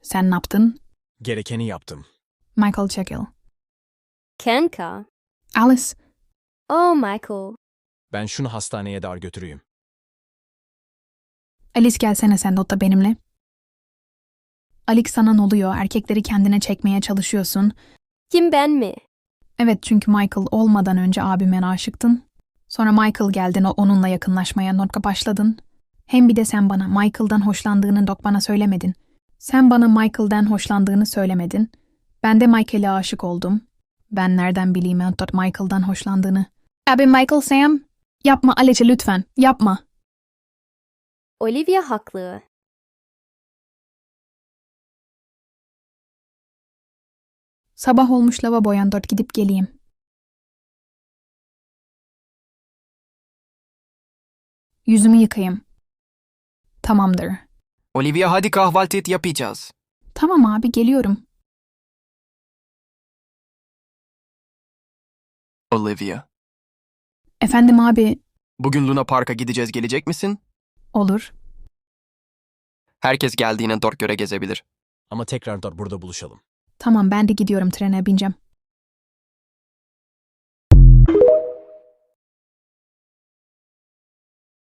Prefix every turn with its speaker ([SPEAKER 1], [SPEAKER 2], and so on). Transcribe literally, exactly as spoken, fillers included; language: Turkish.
[SPEAKER 1] Sen ne yaptın?
[SPEAKER 2] Gerekeni yaptım.
[SPEAKER 1] Michael çekil.
[SPEAKER 3] Kenka.
[SPEAKER 1] Alice,
[SPEAKER 3] Oh, Michael.
[SPEAKER 2] Ben şunu hastaneye dar götüreyim.
[SPEAKER 1] Alice gelsene sen de otta benimle. Alex sana ne oluyor? Erkekleri kendine çekmeye çalışıyorsun.
[SPEAKER 3] Kim ben mi?
[SPEAKER 1] Evet çünkü Michael olmadan önce abime aşıktın. Sonra Michael geldin o onunla yakınlaşmaya notka başladın. Hem bir de sen bana Michael'dan hoşlandığını dok bana söylemedin. Sen bana Michael'dan hoşlandığını söylemedin. Ben de Michael'e aşık oldum. Ben nereden bileyim Antot Michael'dan hoşlandığını? Abi Michael Sam, yapma Alice lütfen, yapma.
[SPEAKER 3] Olivia haklı.
[SPEAKER 1] Sabah olmuş lavaboya dört gidip geleyim. Yüzümü yıkayayım. Tamamdır.
[SPEAKER 4] Olivia hadi kahvaltı et yapacağız.
[SPEAKER 1] Tamam abi geliyorum.
[SPEAKER 4] Olivia.
[SPEAKER 1] Efendim abi,
[SPEAKER 4] Bugün Luna Park'a gideceğiz, gelecek misin?
[SPEAKER 1] olur.
[SPEAKER 4] Herkes geldiğine dört göre gezebilir.
[SPEAKER 2] Ama tekrar da burada buluşalım.
[SPEAKER 1] Tamam ben de gidiyorum trene bineceğim.